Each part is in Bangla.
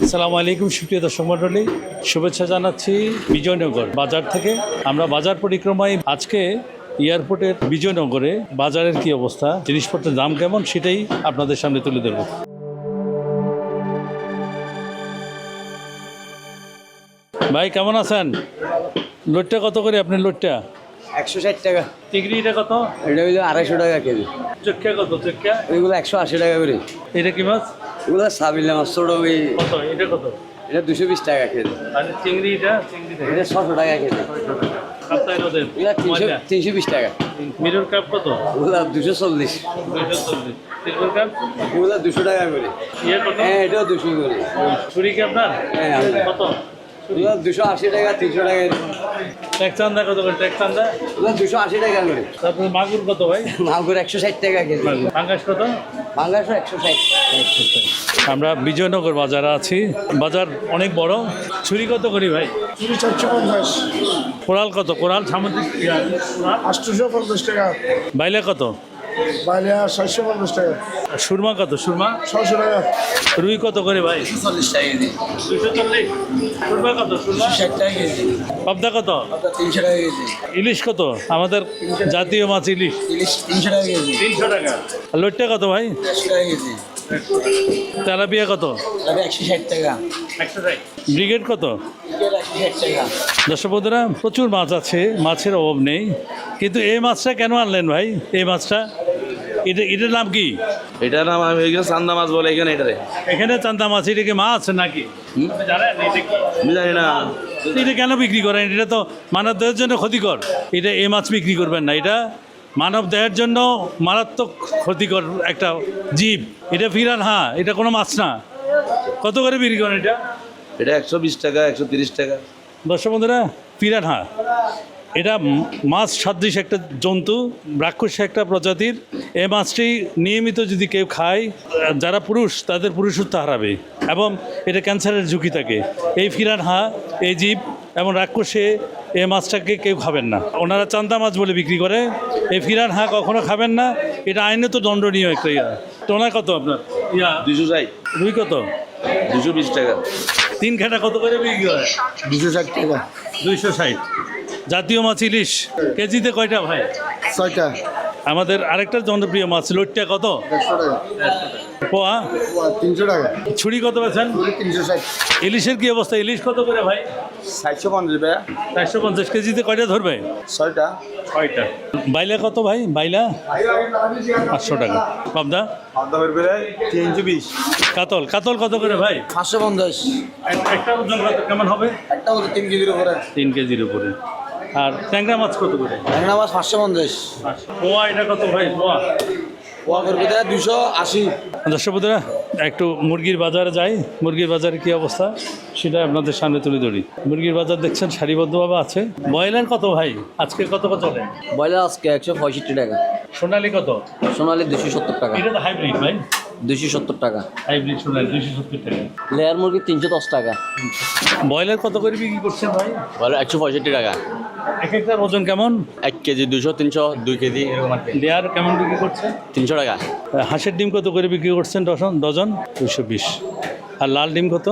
আসসালামু আলাইকুম সুপ্রিয় দর্শক মণ্ডলী, শুভেচ্ছা জানাচ্ছি বিজয়নগর বাজার থেকে। আমরা বাজার পরিক্রমায় আজকে এয়ারপোর্টের বিজয়নগরে বাজারের কি অবস্থা, জিনিসপত্রের দাম কেমন, সেটাই আপনাদের সামনে তুলে ধরব। ভাই কেমন আছেন? লোটটা কত করে আপনার লোটটা? 160 টাকা। চিংড়িটা কত? এটা হইলো 250 টাকা কেজি। চক্ষা কত? চক্ষা এগুলো 180 টাকা করে। এটা কি মাছ? এগুলো সাবিলা মাছ ছোট ওই। কত এটা? কত এটা 220 টাকা কেজি। আর চিংড়িটা? এটা 600 টাকা কেজি। কাপ্তাই নদের এগুলো 320 টাকা। মিরর কাপ কত? এগুলো 240। 240। সিলভার কাপ এগুলো 200 টাকা করে। ইয়ে কত? হ্যাঁ এটাও 200 করে। ছুরি কি আপনার? হ্যাঁ আমরা। কত? এগুলো 280 টাকা 300 টাকা। ট্যাক্স চান্দা কত করে? ট্যাক্স চান্দা এগুলো 280 টাকা করে। তারপরে মাগুর কত ভাই? মাগুর 160 টাকা কেজি। পাঙ্গাস কত? পাঙ্গাসও 160। আমরা বিজয়নগর বাজারে আছি। বাজার অনেক বড়। ছুরি কত করি ভাই? চুরি 450, কোরাল কত? কোরাল সামুদ্রিক কোরাল 850 টাকা, বাইলে কত? বালিয়া 750 টাকা, আর সুরমা কত? সুরমা 600 টাকা, রুই কত করে ভাই? 40 টাকা কেজি। 240। সুরমা কত? সুরমা 60 টাকা কেজি। পাবদা কত? 300 টাকা কেজি। ইলিশ কত? আমাদের জাতীয় মাছ ইলিশ ইলিশ 300 টাকা কেজি। 300 টাকা। আর লোটটা কত ভাই? 100 টাকা কেজি। তেলাপিয়া কত? তবে 160 টাকা। 160। ব্রিগেড কত? 160 টাকা। দর্শক বন্ধুরা, প্রচুর মাছ আছে, মাছের অভাব নেই, কিন্তু এই মাছটা কেন আনলেন ভাই? এই মাছটা এটার নাম কি? এটার নাম আমি এখানে চান্দা মাছ বলে এখানে এটারে। এখানে চান্দা মাছ, এটা কি মাছ নাকি? জানেন এটা কি? আমি জানি না। এটা কেন বিক্রি করেন? এটা তো মানব দেহের জন্য ক্ষতিকর। এটা এই মাছ বিক্রি করবেন না, এটা মানব দেহের জন্য মারাত্মক ক্ষতিকর একটা জীব। এটা ফিরান, হ্যাঁ, এটা কোনো মাছ না। কত করে বিক্রি করেন এটা? এটা 120 টাকা, 130 টাকা। দর্শক বন্ধুরা, পিরানহা এটা মাছ সাদৃশ একটা জন্তু, রাক্ষস একটা প্রজাতির। এই মাছটি নিয়মিত যদি কেউ খায়, যারা পুরুষ তাদের পুরুষত্ব হারাবে এবং এটা ক্যান্সারের ঝুঁকি থাকে। এই পিরানহা, এই জীব এবং রাক্ষসে এই মাছটাকে কেউ খাবেন না। ওনারা চান্দা মাছ বলে বিক্রি করে। এই পিরানহা কখনো খাবেন না, এটা আইনে তো দণ্ডনীয় একটা ইয়া। টোনা কত আপনার? 260, রুই কত? 220 টাকা। তিন ঘাটা কত করে বিক্রি হয়? 260 টাকা, 260। জাতীয় মাছ ইলিশ কেজিতে কয়টা ভাই? 6টা, আমাদের আরেকটা জনপ্রিয় মাছ লোটটা কত? 100 টাকা, পোয়া। 300 টাকা, ছুরি কত বেছেন? চুরি 360, ইলিশের কি অবস্থা? ইলিশ কত করে ভাই? 750 টাকা। 450। কেজিতে কয়টা ধরবে? 6টা। 6টা। বাইলা কত ভাই? বাইলা 500 টাকা। পাবদা? আদা বের 320। কাতল কাতল কত করে ভাই? 550। একটা ওজন কত কেমন হবে? একটা হলো 3 কেজির উপরে। 3 কেজির উপরে। আর ট্যাংরা মাছ কত করে? ট্যাংরা মাছ 550। পোয়া এটা কত ভাই? পোয়া পোয়া করবে 280। দর্শক বন্ধুরা, একটু মুরগির বাজারে যাই। মুরগির বাজারে কি অবস্থা সেটা আপনাদের সামনে তুলে ধরি। মুরগির বাজার দেখছেন সারিবদ্ধভাবে আছে। ব্রয়লার কত ভাই আজকে? কত কত চলে? ব্রয়লার আজকে 165 টাকা। সোনালি কত? সোনালি 270 টাকা। এটা তো হাইব্রিড ভাই। 270 টাকা। হাইব্রিড সোনালি 270 টাকা। লেয়ার মুরগি 310 টাকা। ব্রয়লার কত করে বিক্রি করছেন ভাই? ব্রয়লার 165 টাকা। এক একটার ওজন কেমন? 1 কেজি 200, 300, 2 কেজি এরকম আর কি। লেয়ার কেমন বিক্রি করছেন? 300 টাকা। হাঁসের ডিম কত করে বিক্রি করছেন ডজন? 220। আর লাল ডিম কত?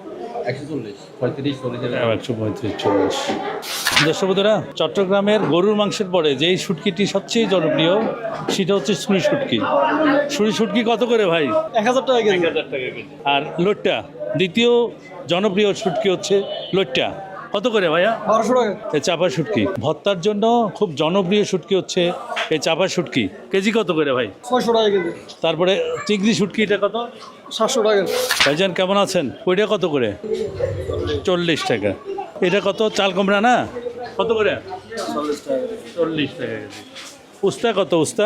140, 35, 40। 135, 40। দর্শক বন্ধুরা, চট্টগ্রামের গরুর মাংসের পরে যেই শুটকিটি সবচেয়ে জনপ্রিয় সেটা হচ্ছে ছুরি শুটকি। ছুরি শুটকি কত করে ভাই? 1000 টাকা কেজি। 1000 টাকা কেজি। আর লোট্টা, দ্বিতীয় জনপ্রিয় শুটকি হচ্ছে লোট্টা, কত করে ভাইয়া? 1200 টাকা, এই চাপা শুটকি ভর্তার জন্য খুব জনপ্রিয় শুটকি হচ্ছে এই চাপা শুটকি। কেজি কত করে ভাই? 600 টাকা কেজি, তারপরে চিংড়ি শুটকি, এটা কত? 700 টাকা, ভাইজান কেমন আছেন? ওইটা কত করে? 40 টাকা। এটা কত? চাল কুমড়া না? কত করে? 40 টাকা কেজি। উস্তা কত? উস্তা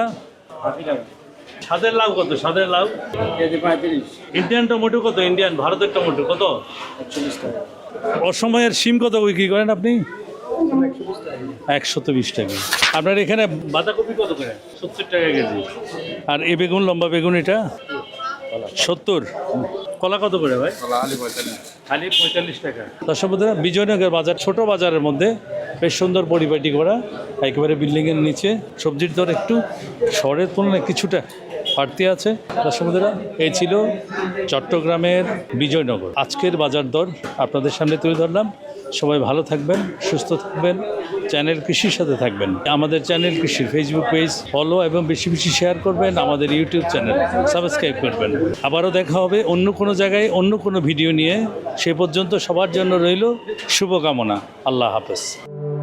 স্বাদের লাউ কত? স্বাদের লাউ কেজি 35, ইন্ডিয়ান টমেটো কত? ইন্ডিয়ান ভারতের টমেটো কত? 41 টাকা। অসময়ের শিম কত বিক্রি করেন আপনি? 120 টাকা। আপনার এখানে বাঁধাকপি কত করে? 70 টাকা কেজি। আর এই বেগুন, লম্বা বেগুন, এটা 70। কলা কত করে ভাই? খালি 45 টাকা। দর্শক বন্ধুরা, বিজয়নগর বাজার ছোট বাজারের মধ্যে বেশ সুন্দর পরিপাটি করা, একেবারে বিল্ডিংয়ের নিচে। সবজির দর একটু শহরের তুলনায় কিছুটা বাড়তি আছে। দর্শক বন্ধুরা, এই ছিল চট্টগ্রামের বিজয়নগর আজকের বাজার দর আপনাদের সামনে তুলে ধরলাম। সবাই ভালো থাকবেন, সুস্থ থাকবেন, চ্যানেল কৃষির সাথে থাকবেন। আমাদের চ্যানেল কৃষির ফেসবুক পেজ ফলো এবং বেশি বেশি শেয়ার করবেন। আমাদের ইউটিউব চ্যানেল সাবস্ক্রাইব করবেন। আবারও দেখা হবে অন্য কোনো জায়গায় অন্য কোনো ভিডিও নিয়ে। সে পর্যন্ত সবার জন্য রইল শুভকামনা। আল্লাহ হাফেজ।